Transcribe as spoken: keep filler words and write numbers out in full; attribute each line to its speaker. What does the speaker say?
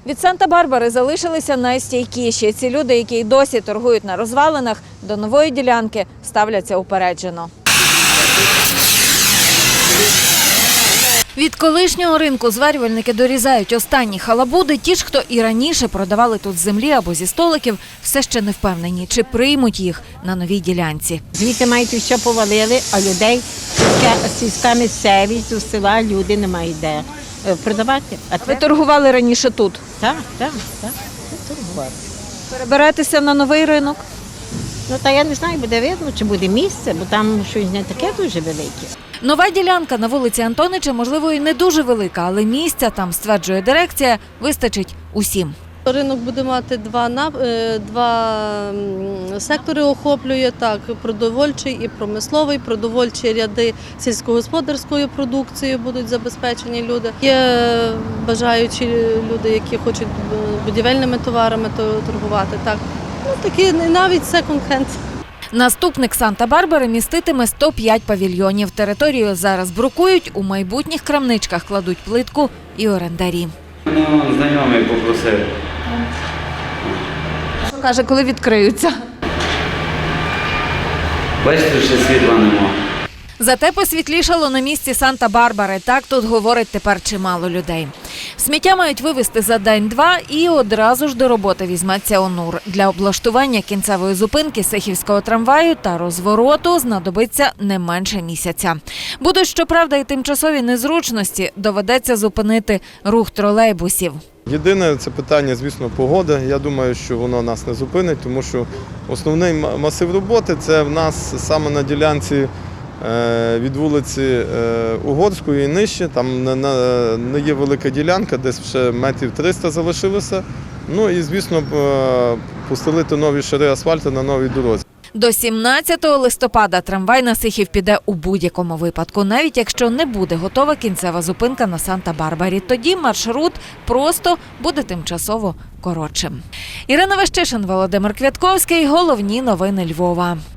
Speaker 1: Від Санта-Барбари залишилися найстійкіші. Ці люди, які й досі торгують на розвалинах, до нової ділянки ставляться упереджено. Від колишнього ринку зварювальники дорізають останні халабуди. Ті ж, хто і раніше продавали тут з землі або зі столиків, все ще не впевнені, чи приймуть їх на новій ділянці.
Speaker 2: Звідти мають все повалили, а людей, сільська місцевість, у села люди не мають де продавати. А
Speaker 1: Ви торгували раніше тут?
Speaker 2: Так, так, так, торгували.
Speaker 1: Переберетеся на новий ринок?
Speaker 2: Ну, та я не знаю, буде видно, чи буде місце, бо там щось не таке дуже велике.
Speaker 1: Нова ділянка на вулиці Антонича, можливо, і не дуже велика, але місця там, стверджує дирекція, вистачить усім.
Speaker 3: Ринок буде мати два, два сектори, охоплює так, продовольчий і промисловий. Продовольчі ряди сільськогосподарською продукцією будуть забезпечені люди. Є бажаючі люди, які хочуть будівельними товарами торгувати. Так. Ну, такі навіть секонд-хенд.
Speaker 1: Наступник Санта-Барбари міститиме сто п'ять павільйонів. Територію зараз брукують, у майбутніх крамничках кладуть плитку і орендарі.
Speaker 4: Ну, знайомий попросив.
Speaker 1: Що каже, коли відкриються?
Speaker 4: Бачите, що світла нема.
Speaker 1: Зате посвітлішало на місці Санта-Барбари. Так тут говорить тепер чимало людей. Сміття мають вивезти за день-два і одразу ж до роботи візьметься ОНУР. Для облаштування кінцевої зупинки Сихівського трамваю та розвороту знадобиться не менше місяця. Будуть, щоправда, і тимчасові незручності. Доведеться зупинити рух тролейбусів.
Speaker 5: Єдине це питання, звісно, погоди. Я думаю, що воно нас не зупинить, тому що основний масив роботи – це в нас саме на ділянці від вулиці Угорської і нижче, там не є велика ділянка, десь ще метрів триста залишилося. Ну і, звісно, постелити нові шари асфальту на новій дорозі.
Speaker 1: До сімнадцятого листопада трамвай на Сихів піде у будь-якому випадку, навіть якщо не буде готова кінцева зупинка на Санта-Барбарі. Тоді маршрут просто буде тимчасово коротшим. Ірина Вещишин, Володимир Квятковський. Головні новини Львова.